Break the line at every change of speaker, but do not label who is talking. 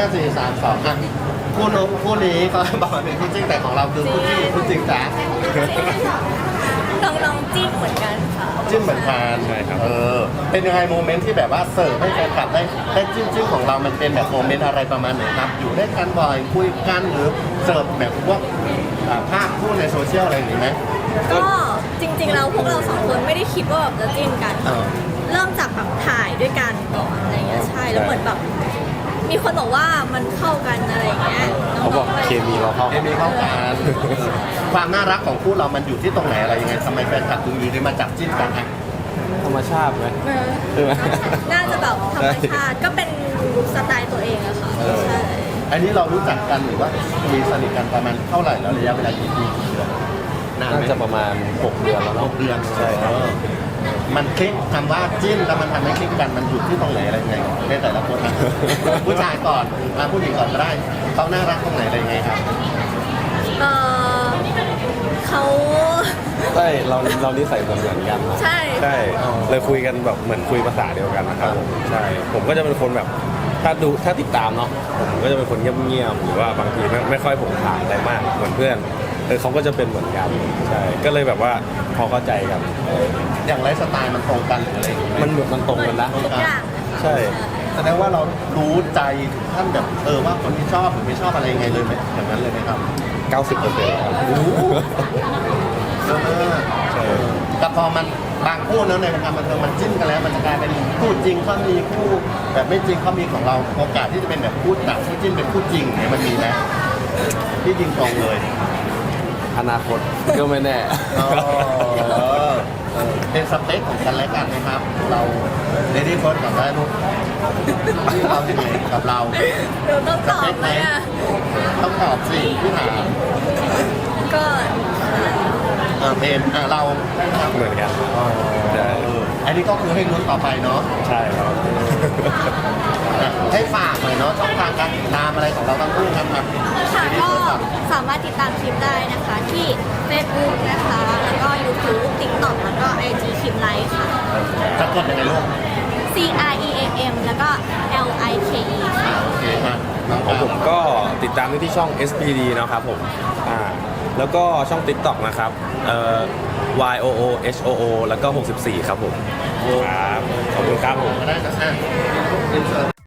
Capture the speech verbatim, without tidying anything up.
สี่สามสองอ่ะคู่นู้นคู่นี้ก็บอกว่าเป็นคู่จริงแต่ของเราคือคู่จริงหรือคู่จริงจ้ะ
น้องๆจิ้นเหมือนกันค่ะ
จิ้นเหมือนกัน
ใช่ครับ
เออเป็นยังไงโมเมนต์ที่แบบว่าเสิร์ฟให้แฟนคลับได้ได้จิ้นจิ้นของเรามันเป็นแบบโมเมนต์อะไรประมาณไหนครับอยู่ด้วยกันบ่อยคุยกันหรือเสิร์ฟแบบพวกอ่าภาพคู่ในโซเชียลอะไรอย่างนี้ไหม
ก็จริงๆแล้วพวกเราสองคนไม่ได้คิดว่าแบบจะจิ้นกัน
เออ
เริ่มจากแบบถ่ายด้วยกันก่อนอะไรเงี้ยใช่แล้วเหมือนแบบมีคนบอกว่ามันเข้ากันอะไรเงี้ย
เขาบอก
น้งๆ
เคมีเราเข้า
เอมีเข้ากันความน่ารักของคู่เรามันอยู่ที่ตรงไหนอะไรยังไงทำไมแฟนคลับถึงอยู่ดีมาจับจิ้นกันอ่ะ
ธรรมชาติไหม
เออ
ใช่ไหม
น่าจะแบบธรรมชาติก็เป็นสไตล์ตัวเองอะค่ะใช่
อันนี้เรารู้จักกันหรือว่าคุยสนิทกันประมาณเท่าไหร่แล้วระยะเวลากี่ปีกี่เดือนนานไหม
น่าจะประมาณหกเดือนแล้ว
ห
เนาะ
กเดือน
ใช่ครับ
เออมันคลิกคำว่าจิ้นแล้วมันทำให้คลิกกันมันอยู่ที่ตรงไหนอะไรยังไงในแต่ละคนนะ ผู้ชายก่อนมาผู้หญิงก่อนก็ได้เขาน่ารักตรงไหนอะไรยังไงครับ
เออเขา
ใช่เราเรานิสัยเหมือนเหมือนกันเนอะ
ใช่
ใช่เลยคุยกันแบบเหมือนคุยภาษาเดียวกันนะครับผมใช่ผมก็จะเป็นคนแบบถ้าดูถ้าติดตามเนาะผมก็จะเป็นคนเงียบๆหรือว่าบางทีไม่ไม่ค่อยผงผางอะไรมากเหมือนเพื่อนเออเขาก็จะเป็นเหมือนกันใช่ก็เลยแบบว่าพอเข้าใจกันเออ
อย่างไลฟ์สไตล์มันตรงกันหรืออะไรอย่างงี้ไหม
มันเหมือนมันตรงกันนะ
ทุกอย่างเลยค่ะ
ใช่
แสดงว่าเรารู้ใจถึงขั้นแบบเออว่าคนที่ชอบหรือไม่ชอบอะไรยังไงเลยไหมอย่างนั้นเลยไหมครับ
เก้าสิบเปอร์เซ็นต์ครับ
โอ้โหเยอะมาก
ใช่
แต่พอมันบางคู่เนอะในวงการบันเทิงมันจิ้นกันแล้วมันจะกลายเป็นคู่จริงเขามีคู่แบบไม่จริงเขามีของเราโอกาสที่จะเป็นแบบคู่จับคู่จิ้นเป็นคู่จริงเนี่ยมันมีไหมที่จริงตรงเลย
อนาคตก็ไม่แน่
อ๋อเออเป็นสเปคของกันและกันนะครับ เราเลดี้เฟิร์สกับได้ลูกที่เราที่ไหนกับเรา
เดี๋ยวต้องตอบไหมอะ
ต้องตอบสิพี่ถาม
ก็
เออเพนอ่ะเรา
เหมือนกัน
อ๋อ
ใช่
เอออันนี้ก็คือให้ลุ้นต่อไปเนาะ
ใช่ครับ
อ่ะให้ฝากหน่อยเนาะช่องทางการติดตามอะไรของเราทั้งคู่ครับครับ
ค่ะก็สามารถติดตามคลิปได้นะคะที่ Facebook นะคะ แล้วก็ YouTube TikTok แล้วก็ ไอ จี คลิปไลฟ์ค่ะ
จะกดยังไงลูก
C R E A M แล้วก็ L I K E ค่ะ
โอเคมาน้อง
ของ
ปา
ผมก็ติดตามได้ที่ช่อง เอส พี ดี นะครับผมอ่าแล้วก็ช่อง TikTok นะครับเอ่อ Y O O H O O แล้วก็หกสิบสี่ครับผมครับขอบคุณครับผม
ก็ได้นะอ่ะ